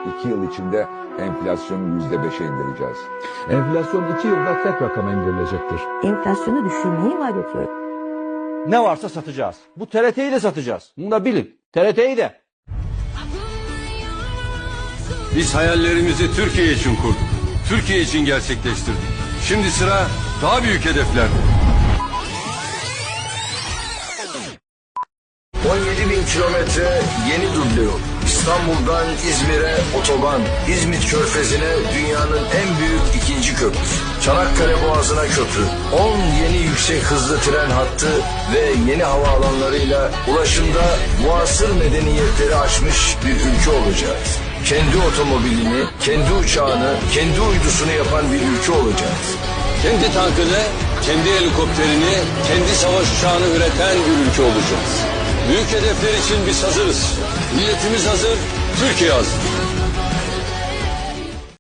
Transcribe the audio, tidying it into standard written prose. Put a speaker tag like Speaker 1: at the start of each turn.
Speaker 1: 2 yıl içinde enflasyonu %5'e indireceğiz.
Speaker 2: Enflasyon 2 yılda tek rakama indirilecektir.
Speaker 3: Enflasyonu düşürmeyi vaat ediyor.
Speaker 4: Ne varsa satacağız. Bu TRT'yi de satacağız. Bunu da bilin. TRT'yi de.
Speaker 5: Biz hayallerimizi Türkiye için kurduk. Türkiye için gerçekleştirdik. Şimdi sıra daha büyük hedeflerde.
Speaker 6: 17.000 kilometre yeni duble yol. İstanbul'dan İzmir'e otoban, İzmit Körfezi'ne dünyanın en büyük ikinci köprüsü. Çanakkale Boğazı'na köprü, 10 yeni yüksek hızlı tren hattı ve yeni havaalanlarıyla ulaşımda muasır medeniyetleri aşmış bir ülke olacağız. Kendi otomobilini, kendi uçağını, kendi uydusunu yapan bir ülke olacağız.
Speaker 5: Kendi tankını, kendi helikopterini, kendi savaş uçağını üreten bir ülke olacağız. Büyük hedefler için biz hazırız. Milletimiz hazır, Türkiye hazır.